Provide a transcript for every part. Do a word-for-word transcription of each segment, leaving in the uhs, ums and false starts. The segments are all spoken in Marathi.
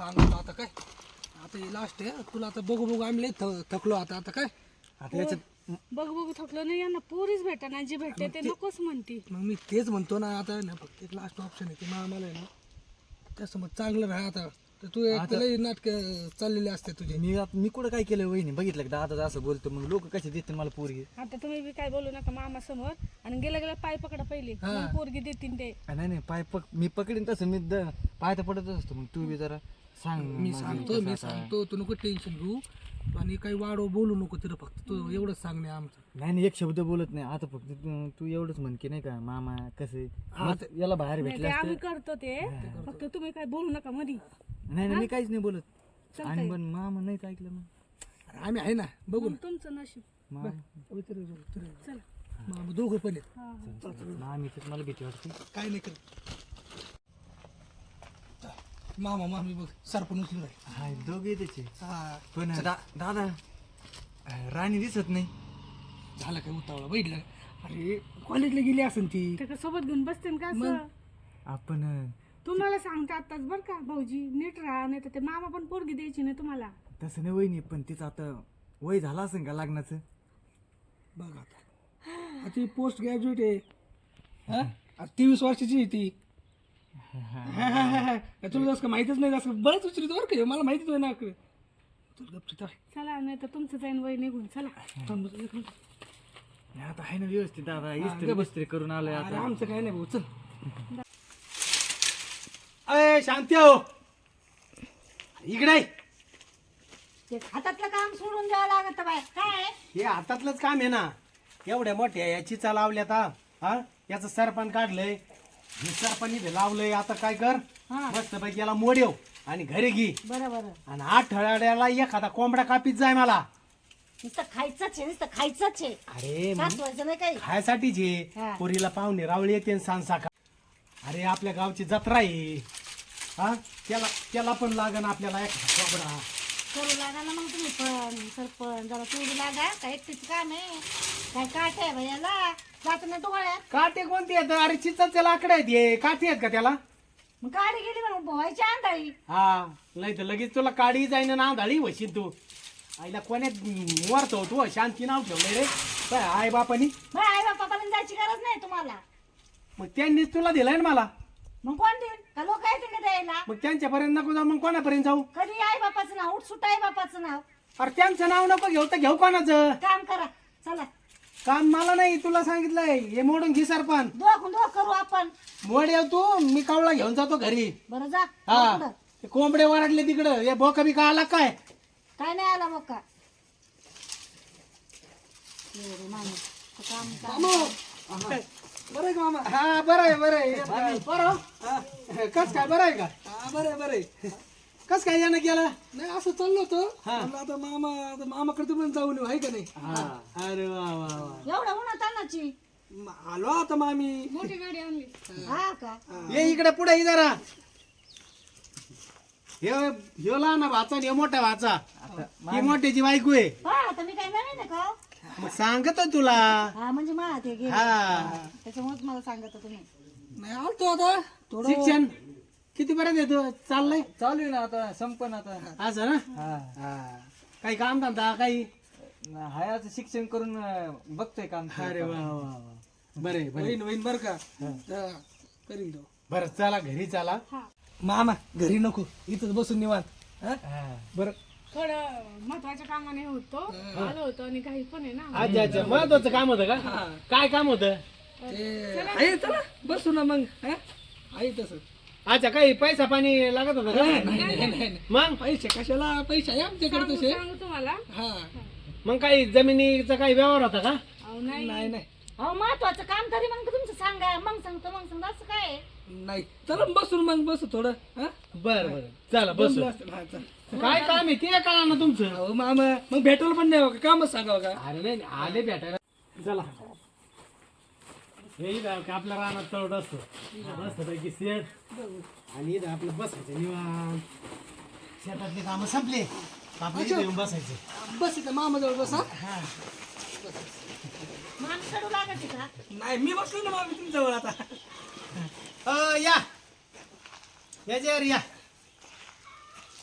सांगतो आता काय आता हे लास्ट आहे तुला आता बघू बघू आम्ही लय थ- थकलो आता आता काय आता याच्यात बघ बघ थकलं नाही यांना पोरीच भेटा ना जी भेटते ते नकोच म्हणती. मग मी तेच म्हणतो ना आता ना फक्त एक लास्ट ऑप्शन आहे ते मग आम्हाला आहे ना त्यासमोर चांगलं राहा आता तर तू एक लई नाटक चाललेले असते तुझे. मी आता- मी कुठं काय केलं वहिनी बघितलं का दादा असं बोलतो मग लोक कसे देतील मला पोरगी. आता तुम्ही बी काय बोलू नका मामा समोर आणि गेल्या गेल्या पाय पकडा पहिले मग पोरगी देतील ते. नाही नाही पाय पक मी पकडीन तसं मी द- पाय तर पडतच असतो मग तू बी जरा सांग मी माझं सांगतो कसं मी आता. सांगतो तू नको टेन्शन घेऊ आणि काही वाढव बोलू नको तिथं फक्त तू एवढंच सांगणे आमचं. नाही नाही एक शब्द बोलत नाही आता फक्त तू- तू एवढंच म्हण की नाही का मामा कसे याला बाहेर नाही भेटले ते असते. आम्ही करतो ते फक्त तुम्ही काय बोलू नका मधी. नाही नाही मी काहीच नाही बोलत आणि पण मामा नाहीच ऐकलं मग अरे आम्ही आहे ना बघू मग तुमचं नशीब. मामा चला ना दोघं पण आहेत. हा हा. मामी तर मला भीती वाटते. काय नाही करत मामा मामी बघ सरपण उचलून राहील. हा दोघे त्याचे हा पण दा- दादा राणी दिसत नाही. झालं काय उतावळा बैठलं अरे कॉलेजला गेली असेल ती. त्याच्या सोबत घेऊन बसते का असं. आपण तुम्हाला सांगते आताच बर का भाऊजी नीट राहा नाही तर ते मामा पण पोरगी द्यायची नाही तुम्हाला. तसं नाही वहिनी पण तिचं आता वय झालं असेल का लग्नाचं. बघ आता ती पोस्ट ग्रॅज्युएट आहे हा तेवीस वर्षाची आहे ती. हा, हा, हा, हा. तुला जसं माहितीच नाही जसं बरंच विचारित बरं का मला माहितीच नाही ना तुला गपचित आहे. चला नाही तर तुमचं जाईन वय निघून चला. थांब बस एक मिनिट. नाही, आता आहे ना व्यवस्थित दादा इस्त्री बिस्त्री करून आलोय अरे आता. आमचं काय नाही भाऊ चल. अय शांती हो इकडे ये. ते हातातलं काम सोडून द्यावं लागत बाय काय हे हातातलंच काम आहे ना एवढ्या मोठ्या याची चा लावल्यात हा हा याचं सरपण काढलंय हे सरपण इथे लावलंय आता काय कर मस्त पैकी याला मोडव आणि घरी घे बरं बरं आणि आठवड्याला एखादा कोंबडा कापीत जाय मला. नुसतं खायचंच आहे नुसतं खायचंच आहे अरे मग सासवायचं नाही काही खायसाठीच हा. आहे पोरीला पाहुणे रावळी येते सांसा अरे आपल्या गावची जत्रा आहे हा त्याला त्याला पण लागन आपल्याला एखादा कोंबडा. करू लागा ना मग तुम्ही पण सरपण जरा सोडू लागा काय एकटीच काम आहे काय काट आहे भैयाला जात ना डोळ्यात. काटे कोणते आहेत अरे चिचाचे लाकडे आहेत हे काठी आहेत का त्याला. मग गाडी गेली म्हणून भोवायची आंधळी. हा नाही तर लगेच तुला काडी जाईन ना आंधळी वशील तू. आईला कोण्यात मरतो तू शांती नाव ठेवलंय रे काय आई बापानी. मग आई बापापर्यंत जायची गरज नाही तुम्हाला. मग त्यांनीच तुला दिलंय ना मला मग कोण देईल का लोक येतील का द्यायला. मग त्यांच्यापर्यंत नको जाऊ मग कोणापर्यंत जाऊ. कधी आई बापाचं नाव उठसुट आई बापाचं नाव. अरे त्यांचं नाव नको घेऊ तर घेऊ कोणाचं. काम करा चला काम मला नाही तुला सांगितलंय हे मोडून घे सरपण. दोघ दोघ करू आपण. मोड येऊ तू मी कावळा घेऊन जातो घरी. बरं जा हा पुढं. ते कोंबडे वराडले तिकडं हे बोका बिका आला काय. काय नाही आला मग का माणूस काम काम बरं आहे का मामा. हा बरं आहे बरं आहे बरं कस काय बरं आहे का. हा बरं आहे बरं आहे. कस काय यानं केलं. नाही असं चाललो होतो म्हणलं आता मामा आता मामाकडे पण जाऊन येऊ आहे का नाही. अरे वा वा वा एवढं उन्हात तानाची म- आलो आता मामी. मोठी गाडी आणली. हा का ये इकडे पुढे ये जरा. ह्यो ह्यो लहान भाचा आणि ह्यो मोठा भाचा ही मोठ्याची बायको आहे. हा आता मी काय नवीन आहे का. मग सांगत तुला. हा म्हणजे मला ते गेले हा त्याच्यामुळेच मला सांगत तुम्ही. नाही आलतो आता थोडं शिक्षण किती पर्यंत येतो चाललंय चालू आहे ना आता संपन आता. असं ना. हा हा काही काम धंदा काही. हाय आता शिक्षण करून अं, बघतोय काम. अरे वा वा वा बरे बरे होईन होईन बरं का तर करीन तो. बरं चला घरी चला. मामा घरी नको इथंच बसून निवांत हा? बरं थोडं महत्वाच्या कामाने होतो आलो होतो आणि काही पण आहे ना. अच्छा अच्छा महत्वाचं काम होतं का. काय काम होतं. ते आहे चला बसू ना मग हा? आहे तसं. अच्छा काही पैसा पाणी लागत होता का. नाही नाही नाही नाही. मग पैसे कशाला पैसे आहे आमच्याकडे तसे. सांगू तुम्हाला. हा मग काही जमिनीचा काही व्यवहार होता का. अहो नाही नाही नाही अहो महत्वाचं काम तरी मग तुमचं सांगा मग सांगतो मग सांगतो असं काय आहे? नाही चला बसून मग बसू थोडं हा? बर बर चला बस. जमलं असेल. हा, चल. काय काम आहे ते कळा ना तुमचं. अहो मामा मग भेटायला पण नाही हो का कामच सांगावं का. अरे नाही आले भेटायला. चला हे इथं का आपल्या रानात तळवट असतो मस्त पैकी शेत आणि इथं आपलं बसायचं निवांत. शेतातले काम संपले आपल्या इथं येऊन बसायचं. बस इथं मामाजवळ बस हा. माणूस कडू लागायची का. नाही मी बसलो ना मामी तुमच्याजवळ आता. अ, या याच्यावर या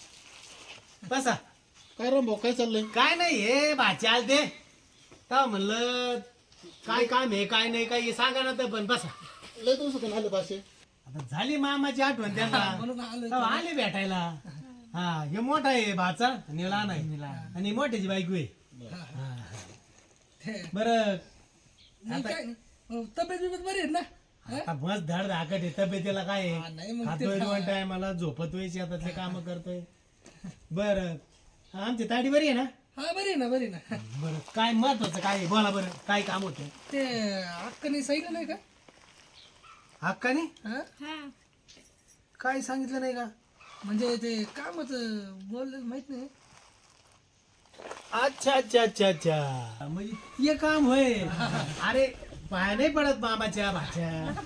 बसा. काय राम भाऊ काय चाललंय? काय नाही हे भाचे आल ते का म्हणलं काय काम आहे काय नाही काय हे सांगा ना तर पण बसा. लय दिवसातून आले पाचशे. आता झाली मामाची आठवण त्यांना म्हणून आलो तेव्हा आले भेटायला. हा हे मोठा आहे भाचा आणि लहान आहे आणि मोठ्याची बायको आहे. बरं नाही काय नाही. अहो, तब्येत बिब्येत बरी आहे ना? आता मस्त धड धाकट आहे तब्येतीला काय हा, नाही मग आहे ते खातोय दोन टायमाला झोपतोय शेतातले काम करतोय. बरं आमची ताडी बरी आहे ना? हा बरी आहे ना बरी आहे ना. बरं काय महत्वाचं काय आहे? बोला बरं काय काम होतं? ते अक्काने सांगितलं नाही का? हक्काने हा? हा काय सांगितलं नाही का? म्हणजे ते कामच बोललं माहित नाही. अच्छा अच्छा अच्छा अच्छा म्हणजे ते काम होय. अरे पाय नाही पडत मामाच्या भाच्या.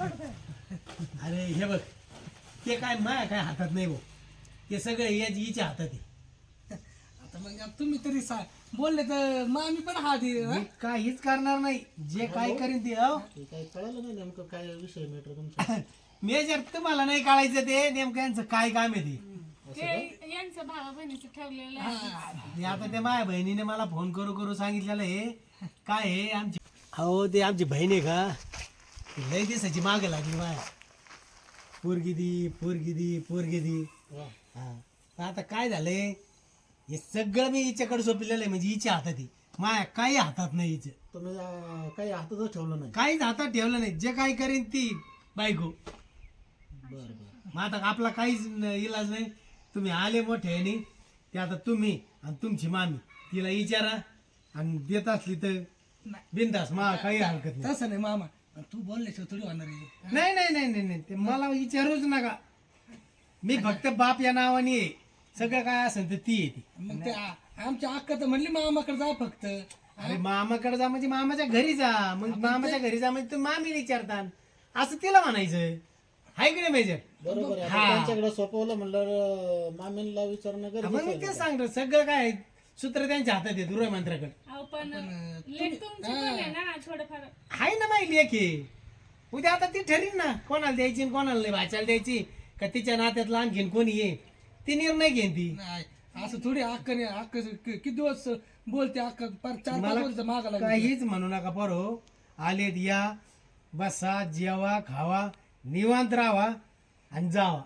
अरे हे बघ ते काय माया काय हातात नाही भाऊ. ते सगळं याच हिच्या हातात आहे. आता मग आता तुम्ही तरी सा बोलले तर मग आम्ही पण हात आहे, हा? मी काहीच करणार नाही. जे काय करीन ते अहो ते काय कळालं नाही नेमकं काय विषय मॅटर तुमचा. मेजर तुम्हाला नाही कळायचं ते नेमकं यांचं काय काम आहे ते. ते यांचं भावा बहिणीचं ठेवलेलं आहे. आणि आता ते माझ्या बहिणीने मला फोन करू करू सांगितलेलं हे काय आहे आमची अहो ते आमची बहीण आहे का ती लय दिसायची मागे लागली माया. पोरगी दी पोरगी दी पोरगी दी. हा तर आता काय झालंय हे सगळं मी हिच्याकडे सोपलेलं आहे म्हणजे हिच्या हातात आहे. माया काही हातात नाही हिचं. तुम्ही अं, काही हातातच ठेवलं नाही. काहीच हातात ठेवलं नाही. जे काय करीन ती बायको. बरं बरं. मग आता आपला काहीच न- इलाज नाही. तुम्ही आले मोठे आणि ते आता तुम्ही आणि तुमची मामी तिला विचारा आणि देत असली तर बिंदास मा काही हरकत नाही. तसं नाही मामा तू बोलल्याशिवाय थोडी होणार आहे. नाही नाही नाही नाही नाही ते मला विचारूच नका. मी फक्त बाप या नावाने आहे. सगळं काय असेल तर ती येते. मग ते आ- आमच्या अक्का तर म्हणली मामाकडे जा फक्त. अरे मामाकडे जा म्हणजे मामाच्या घरी जा. मग मामाच्या घरी जा म्हणजे तुम्ही मामी विचारता असं तिला म्हणायचं. हाय की नाही मेजर? बरोबर आहे. आता हा. त्यांच्याकडे सोपवलं म्हणलं मामींला विचारणं मग गरजेचं मी आहे. तेच सांगतो सगळं काय सूत्र त्यांच्या हातात आहे गृह मंत्र्याकडे. अहो पण लेट तुमची पण आहे ना थोडंफार. आहे ना माहिती आहे की उद्या आता ती ठरीन ना कोणाला द्यायची आणि कोणाला नाही. भाच्याला द्यायची का तिच्या नात्यातला आणखीन कोणी ये ती निर्णय घेईन ती. नाही असं थोडी अक्काने अक्का किती दिवस बोलते अक्का पार चार पाच मला वर्ष मागा लागली. काहीच म्हणू नका बरो. आलेत या बसा जेवा खावा निवांत राहा आणि जावा.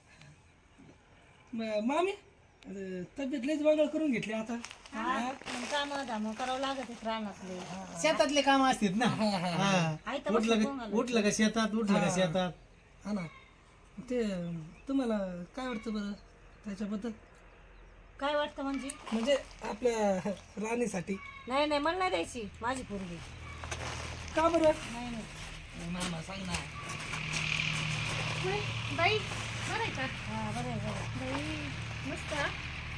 म- मामी अरे, तब्येत लयच बगळ करून घेतली आता. काम धाम करावं लागत आहे रानातले. शेतातले काम असतात ना. हा. आई तर उठलं बसून का उठलं का शेतात उठलं का शेतात. हा ना ते तुम्हाला काय वाटतं बरं त्याच्याबद्दल काय वाटतं म्हणजे? म्हणजे आपल्या राणीसाठी नाही नाही मला नाही द्यायची माझी पोरगी. का बरं? नाही नाही. मामा सांग ना. होय, बाई बरं आहे का? हा बरं आहे, बरं आहे. बाई मस्त हा.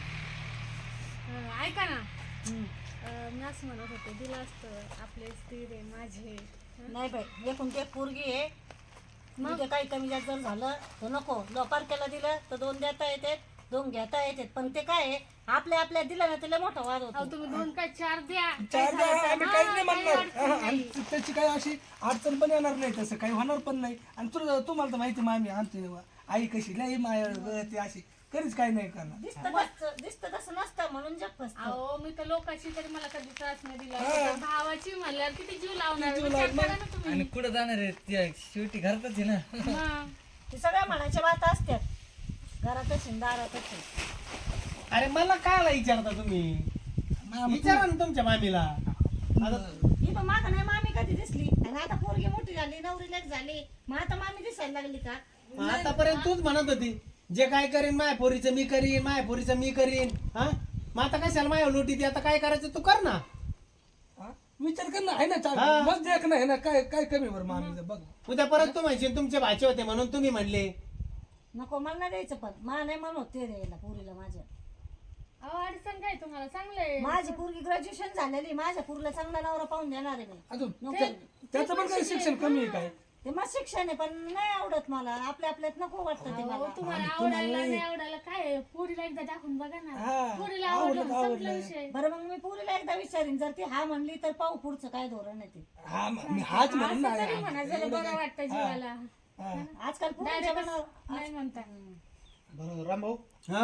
अं, ऐका ना हम्म. अं, मी असं म्हणत होते दिलं असतं आपले स्थिर आहे माझे. नाही बाई एकूण ते पोरगी आहे. मग ते काही कमी जास्त जर झालं तर नको. लोपारक्याला दिलं तर दोन देता येते दोन घेता येते. पण ते काय आहे आपल्या आपल्या दिलं ना त्याला मोठा वाद अहो होतो. तुम्ही दोन काय चार द्या. चार द्या, आम्ही काहीच नाही काही म्हणणार. अडचण हा, नाही. आणि त्याची काही अशी अडचण पण येणार नाही. तसं काही होणार पण नाही. आणि तुला तुम्हाला तर माहिती मामी आमची आई कशी लई माया ती अशी कधीच काही नाही करणार. दिसतं तसं दिसतं तसं नसतं म्हणून जग फसतं. अहो मी तर लोकांची तरी मला कधी त्रास नाही दिला. पण भावाची म्हणल्यावर किती जीव लावणार विचार करा ना तुम्ही. आणि कुठं जाणार आहे त्या शेवटी घरातच आहे ना. मग. ते सगळ्या म्हणायच्या बात असतात. घरातच आहे, दारातच आहे. अरे मला काय विचारता तुम्ही विचारा ना तुमच्या मामीला. आता ही पण मागं नाही मामी कधी दिसली आणि आता पोरगी मोठी झाली नवरी लेक झाली मग आता मामी दिसायला लागली का? आतापर्यंत तूच म्हणत होती जे काय करीन माया पोरीचं मी करीन माया पोरीचं मी करीन. हा मग आता कशाला माया लोटी ती आता काय करायचं तू कर ना. हा? विचार कर ना आहे ना चार हा. बस देख ना आहे ना काय काय कमी बरं मामीचं बघ. उद्या परत तू म्हणशील तुमचे भाचे होते म्हणून तुम्ही म्हणले. नको मला नाही द्यायचं पण मा नाही म्हणत ते द्यायला पोरीला माझ्या. अहो अडचण काय तुम्हाला चांगलंय. माझी पोरगी ग्रॅज्युएशन झालेली माझ्या पोरीला चांगला नवरा पाहून देणार आहे मी. अजून त्या- त्याचं पण काही शिक्षण कमी आहे काय? ते मग शिक्षण आहे पण नाही आवडत मला आपल्या आपल्यात नको वाटतं ते अहो, मला. तुम्हाला आवडायला नाही आवडायला काय आहे? पोरीला एकदा दाखवून बघा ना. हा. पोरीला आवडलं, आवडलं आवडलं. संपला विषय. बरं मग मी पोरीला एकदा विचारीन जर ती हा म्हणली तर पाहू पुढचं काय धोरण आहे ते. हा म- मी हाच म्हणून असं तरी ना. म्हणा जरा बरं वाटतं जीवाला. हा. आजकाल पोरीच्या Direct मनावर नाही म्हणता. बरं रामभाऊ हा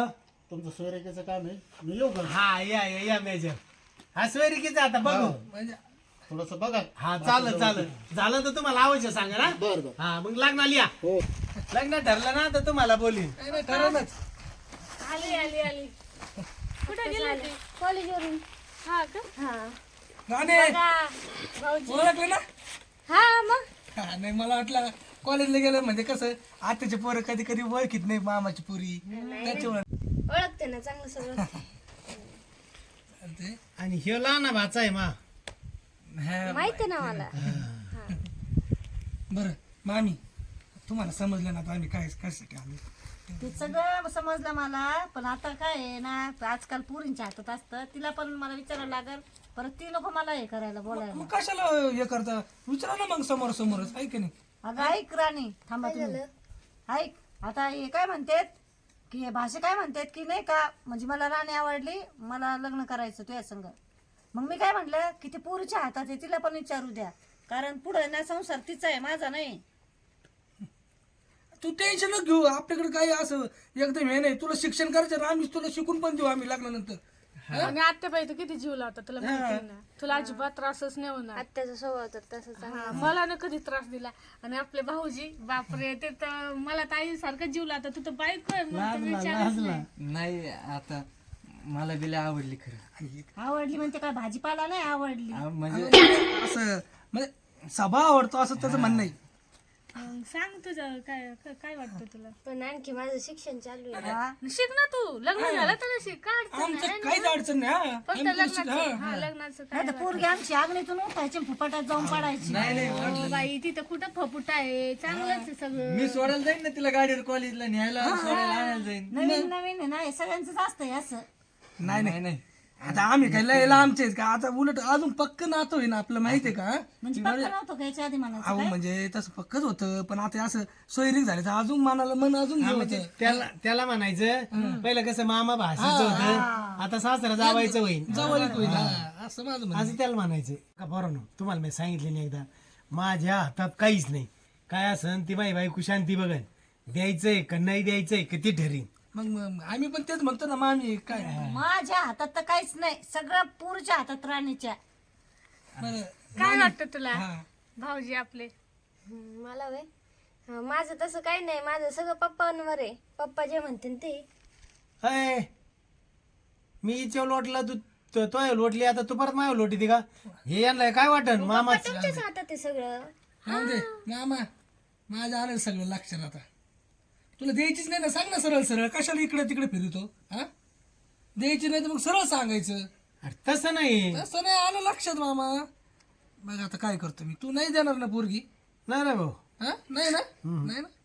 तुमचं सोयरेकेचं काम आहे मी येऊ का हा या या या मेजर हा सोयरिकीचा आता बघू म्हणजे थोडस बघा हा चालत चालत झालं तर तुम्हाला आवश्यक सांगा ना बर बर हा मग लग्नाला या हो लग्न ठरलं ना तर तुम्हाला बोलीन नाही, नाही, ठरवलंच. आली आली आली कुठे गेली कॉलेजवरून हा का हा राणे भाऊजी ओळखलं ना हा मग हा, नाही मला वाटलं कॉलेजला गेलं म्हणजे कसं आताचे पोरं कधी कधी ओळखीत नाही मामाची पुरी त्याच्यामुळे ओळखते ना चांगलं सगळं चालतंय. आणि ह्यो लहान भाचा आहे मा हा, माहिती ना मला बरं मामी तुम्हाला समजलं ना आता आम्ही काय कशासाठी आलो ते सगळं समजलं मला पण आता काय आहे ना आजकाल पुरींच्या हातात असतं तिला पण मला विचारावं लागेल परत ती नको मला हे करायला बोलायला मग कशाला हे करता विचारा ना मग समोर समोरच आहे की नाही अगं ऐक राणी थांबा तुम्ही ऐक आता हे काय म्हणतात की हे भाषा काय म्हणतात की नाही का म्हणजे मला राणी आवडली मला लग्न करायचं तुझ्या संग मग मी काय म्हटलं की ते पोरीच्या हातात आहे तिला पण विचारू द्या कारण पुढे ना संसार तिचा आहे माझा नाही तू टेन्शन न घेऊ आपल्याकडे काही असं एकदम हे नाही तुला शिक्षण करायचं ना आम्ही तुला शिकून पण देऊ आम्ही लग्नानंतर आणि आत्याबाई तर किती जीव लावतात तुला माहिती आहे ना तुला अजिबात त्रासच नाही होणार आत्याचा स्वभाव तर तसंच मला ना कधी त्रास दिला आणि आपले भाऊजी बापरे ते तर मला ताई सारखं जीव लावतात तू तर बायको आहे मग तर विचारच नाही. नाही आता मला बिला आवडली खरं आवडली म्हणते काय भाजीपाला नाही आवडली आ, म्हणजे असं म्हणजे सभा आवडतो असं त्याचं म्हणणं आहे मग सांग तुझं काय काय- काय वाटतं तुला पण आणखी माझं शिक्षण चालू आहे हा. शिक ना तू लग्न झालं तर शिक काय अडचण आमचं नाही. काहीच अडचण नाही हा. फक्त आम्ही तुला शिक- लग्नाचं हा. हा लग्नाचं काय नाही तर पोरगी आमची आग्नीतून उठायची फुपाट्यात जाऊन पडायची हो बाई तिथं कुठं फपुट आहे चांगलंच आहे सगळं मी सोडायला जाईन ना तिला गाडीवर कॉलेजला न्यायला सोडायला आणायला जाईन नवीन नवीन आहे ना हे सगळ्यांचंच असतंय असं नाही नाही नाही नाही आता आम्ही काय लय लांबचे आहेत का आता उलट अजून पक्क नातं होईना आपलं माहितीये का म्हणजे पक्क नव्हतं का याच्या आधी म्हणायचं अहो म्हणजे तसं पक्कच होतं पण आता असं सोयरीक झालं तर अजून मनाला मन अजून हे होतं त्याला त्याला म्हणायचं पहिलं कसं मामा भाषेचं होतं आता सासरा जावायचं होईल जवळीक होईल हा, असं माझं म्हणणं. असं त्याला म्हणायचं का बरं तुम्हाला मी सांगितले नाही एकदा माझ्या हातात काहीच नाही काय असन ती बाई बायको शांती बघन द्यायचंय का नाही द्यायचंय का ती ठरीन मग मग आम्ही पण तेच म्हणतो ना मामी काय माझ्या हातात तर काहीच नाही सगळं पूरच्या हातात राणीच्या बरं काय वाटतं तुला हा. भाऊजी आपले हम्म, मला वय हं, माझं तसं काही नाही माझं सगळं पप्पांवर आहे पप्पा जे म्हणते ते अय मी इथे लोटला तू तो तो लोटली आता तू परत माय लोटी का हे यांना काय वाटन मामा तुमच्याच हातात आहे सगळं राहू दे मामा माझ्या आलं सगळं लक्षात आता तुला द्यायचीच नाही ना सांग ना सरळ सरळ कशाला इकडे तिकडे फिरतो हा द्यायची नाही तर मग सरळ सांगायचं अरे तसं नाही तसं नाही आलं लक्षात मामा मग आता काय करतो मी तू नाही देणार ना पोरगी नाही रे भाऊ हा नाही ना नाही ना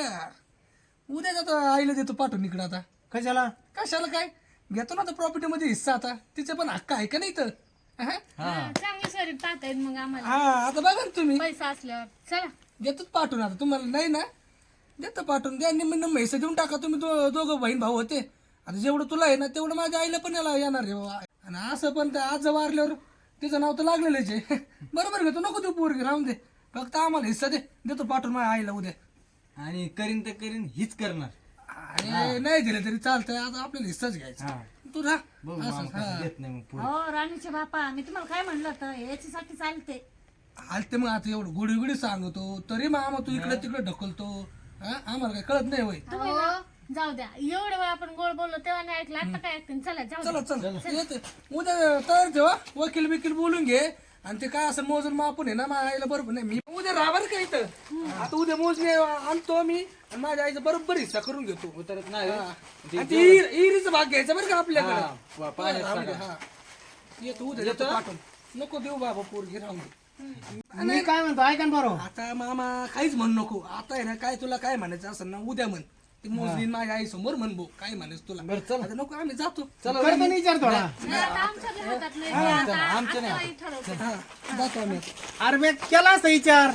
बर उद्या आता आईला देतो पाठवून इकडं आता कशाला कशाला काय घेतो ना आता प्रॉपर्टी मध्ये हिस्सा आता तिचे पण हक्क आहे का नाही तर हा? चांगली सरी पाहतायत मग आम्हाला हा आता बघा ना तुम्ही पैसा असल्यावर चला देतोच पाठवून आता तुम्हाला नाही ना देतो पाठवून द्या निम्म निम्म हिस्सा देऊन टाका तुम्ही दो दोघं बहीण भाऊ होते आता जेवढं तुला आहे ना तेवढं माझ्या आईला पण याला येणार आहे बाबा आणि असं पण त्या आज वारल्यावर तिचं नाव तर लागलेलंच आहे बरोबर घेतो नको देऊ पोरगी राहून दे फक्त आम्हाला हिस्सा दे देतो पाठवून माझ्या आईला उद्या आणि करीन तर करीन हीच करणार आणि नाही दिलं तरी चालतंय आता आपल्याला हिस्साच घ्यायचा तू राह बघू मामा कसं देत नाही मग पुढे. हो राणीचे बापा मी तुम्हाला काय म्हणलं होतं याच्यासाठी चालते आलते मग आता एवढं गुडी गुडी सांगतो तरी मामा तू इकडे तिकडे ढकलतो हा आम्हाला काय कळत नाही होय हो, जाऊ द्या एवढं वेळ आपण गोड बोललो तेव्हा नाही ऐकलं आता काय ऐकते चला जाऊ द्या. चला चल येते उद्या तयार ठेवा वकील बिकील बोलून घे आणि ते काय असं मोजून मापून आहे ना माझ्या आईला बरोबर नाही मी उद्या राहणार का इथं आता उद्या मोजणी आणतो मी आणि माझ्या आईचा बरोबर हिस्सा करून घेतो उतरत नाही हा. आणि ते इर- इरीचा भाग घ्यायचा बरं का आपल्याकडे पा- पाण्यात राहू दे, हा. येतो उद्या येतो पाठवून नको देऊ बाबा पोरगी राहून दे मी काय म्हणतो ऐका ना बरोबर आता मामा काहीच म्हण नको आता आहे ना काय तुला काय म्हणायचं असं ना उद्या म्हण ते मोजली माझ्या आई समोर म्हण भाऊ काय म्हणायचं तुला आता नको आम्ही जातो करतो ना विचार थोडा नाही, आता आमच्या बी हातात नाही. आता आत्याबाई ठरवते. हा जातो आम्ही आता. अरे मी केला असता विचार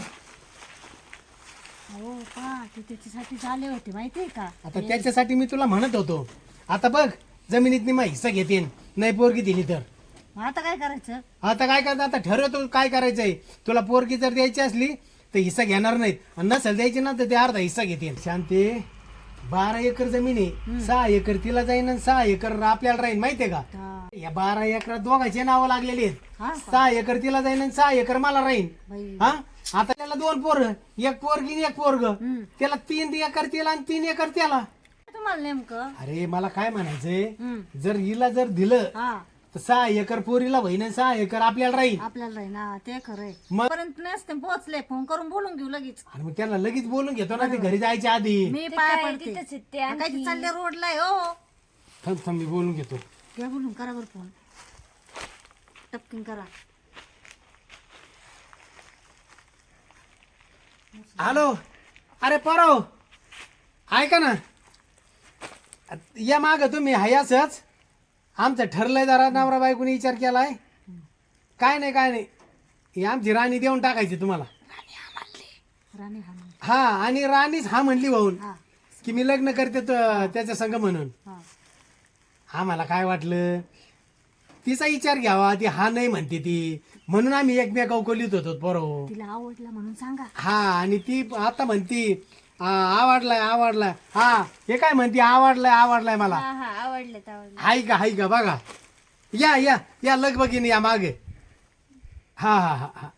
हो का ते त्याच्यासाठी झाले होते माहितीये का आता त्याच्यासाठी मी तुला म्हणत होतो आता बघ जमिनीत मी हिस्सा घेते नाही पोरगी दिली तर मग आता काय करायचं आता काय करता आता ठरवतो काय करायचंय तुला पोरगी जर द्यायची असली तर हिस्सा घेणार नाहीत आणि नसेल द्यायची ना तर ते अर्धा हिस्सा घेते शांती बारा एकर जमीन आहे, सहा एकर तिला जाईन आणि सहा एकर आपल्याला राहील, माहितीये का? हा. या बारा एकरात दोघांचे नावं लागलेली आहेत. हा सहा एकर तिला जाईन आणि सहा एकर मला राहीन. बाई. हा आता त्याला दोन पोर, एक पोरगी आणि एक पोरग, त्याला तीन एकर तिला आणि तीन एकर त्याला. तुम्हाला नेमकं अरे मला काय म्हणायचंय, हम्म. जर हिला जर दिलं हा तर सहा एकर पोरीला बहीण आणि सहा एकर आपल्याला राहील. आपल्याला राही ना ते खरंय मग पर्यंत नसते पोहोचले फोन करून बोलून घेऊ लगेच. आणि मग त्याला लगेच बोलून घेतो ना, ते घरी जायच्या आधी. मी ते पाय काय पडते तिथंच आहेत ते हा, काय ते चालले रोडला आहे, हो थांब थांब मी बोलून घेतो. घ्या बोलून करा बरं फोन टपकिन करा. हॅलो, अरे परव ऐका ना, या माग तुम्ही हयासच आमचं ठरलंय, जरा नवरा बायकोनी विचार केलाय. काय नाही काय नाही, ही आमची राणी देऊन टाकायची तुम्हाला. राणी हा म्हण. हा आणि राणीच हा म्हणली भाऊन हा की मी लग्न करते त- त्याच्या संग म्हणून. हा आम्हाला काय वाटलं तिचा विचार घ्यावा, ती हा नाही म्हणते ती, म्हणून आम्ही एकमेकावर कोलीत होतो बरोबर. तिला आवडला म्हणून सांगा. हा आणि ती आता म्हणती आ, आवडलाय आवडलाय. हा हे काय म्हणती, आवडलाय आवडलाय मला. हा हा आवडले आवडले हाय का हाय का बघा, या या या लगबगीन या मागे. हा हा हा हा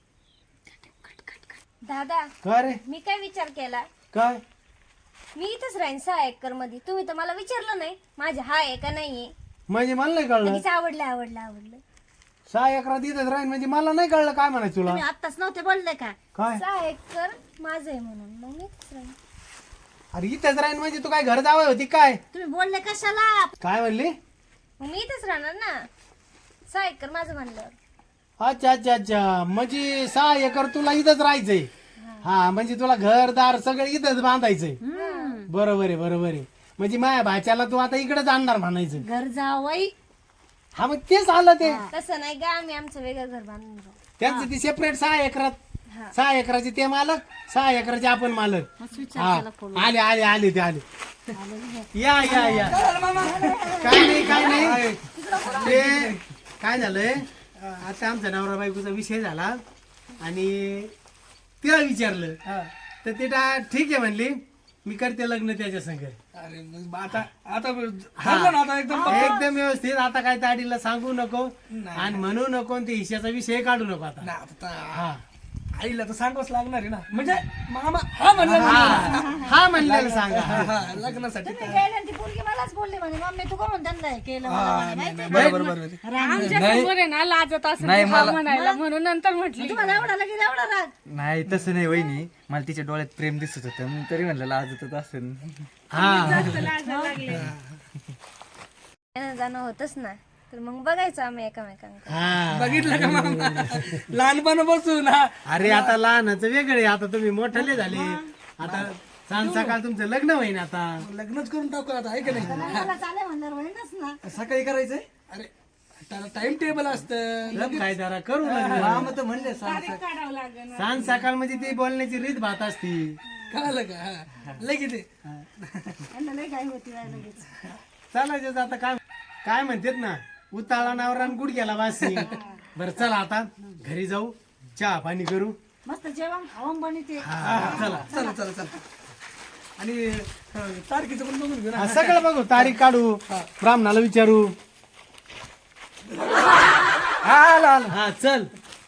दादा काय रे मी काय विचार केला, काय मी इथंच राहीन सहा एकर मध्ये. तुम्ही तर मला विचारलं नाही माझे हा आहे का नाहीये. म्हणजे मला नाही कळलं. लगेच आवडलं आवडलं आवडलं. सहा एकरात इथंच राहीन म्हणजे मला नाही कळलं काय म्हणायचं तुला. तुम्ही आत्ताच नव्हते बोलले का? काय सहा एकर माझं आहे म्हणून मग मी इथंच राहीन. अरे इथंच राहीन म्हणजे तू काय घर जावं होती काय? तुम्ही बोलले कशाला? काय म्हणली? मग मी इथंच राहणार ना, सहा एकर माझं म्हणलं. अच्छा अच्छा अच्छा, म्हणजे सहा एकर तुला इथंच राहायचंय. हा म्हणजे तुला घरदार सगळं इथंच बांधायचंय. बरोबर आहे बरोबर आहे, म्हणजे माझ्या भाच्याला तू आता इकडेच आणणार म्हणायचं. घर जावई हा मग तेच आलं ते. तसं नाही का, आम्ही आमचं वेगळं घर बांधून राहू. त्यांचं ती सेपरेट सहा एकरात, सहा एकराचे ते मालक, सहा एकराचे आपण मालक. मस्त हा विचार केला खोलून. आले आले आले ते आले. या या या काय नाही काय नाही, ते काय झालंय आता आमचा नवरा बायकोचा विषय झाला आणि तिला विचारलं तर ते टा- ठीक आहे म्हणली, मी करते लग्न त्याच्या संग. अरे मग आता आता ठरलं ना आता एकदम. एकदम व्यवस्थित. आता काय ताडीला सांगू नको आणि म्हणू नको आणि ते हिश्याचा विषय काढू नको आता. ना, आता हा आईला तर सांगावंच लागणार आहे ना, म्हणजे मामा हा म्हणलं ना. हा हा म्हणलेलं सांगा. हा, हा, लग्नासाठी तुम्ही गेले आणि ती पोरगी मलाच बोलली म्हणे मम्मी तू करून त्यांना हे केलं मला म्हणे, माहिती आहे? बरोबर बरोबर. आमच्या समोर आहे ना लाजत असं हा म्हणायला, म्हणून नंतर म्हटली. तुम्हाला एवढा लगेच एवढा राग. नाही तसं नाही वहिनी, मला तिच्या डोळ्यात प्रेम दिसत होतं मी तरी म्हणलं लाजत असेल. हा लाजायला लागले. येणं जाणं होतच ना, तर मग बघायचं आम्ही एकामेकांकडे. हा बघितलं का मामा, लहानपण बसून हा. अरे आता लहानाचं वेगळे, आता तुम्ही मोठले झाले. आता सांग सकाळ तुमचं लग्न होईन आता. लग्नच करून टाकू आता, आहे का नाही? मला चालेल म्हणल्यावर होईनच ना. सकाळी करायचंय. अरे त्याला टाइम टेबल असतं. लग्न काय जरा करू लग्न. तर म्हणले काढावं लागेल. सांग सकाळ म्हणजे ती बोलण्याची रीत भात असती. कळालं का? हा. लगेच ये. यांना लई घाई होती बाई लगेच. चालायचं आता. काय काय म्हणतात ना, उताळा नावरा गुडघ्याला वासी. बरं चला आता घरी जाऊ, चहा पाणी करू. मस्त जेवण खावण बनते. हा, चला चला चला चला. आणि अं, तारखेचं पण बघून घेऊ ना. हा, सगळं बघू, तारीख काढू, ब्राह्मणाला विचारू. हा आला आला. हा चल.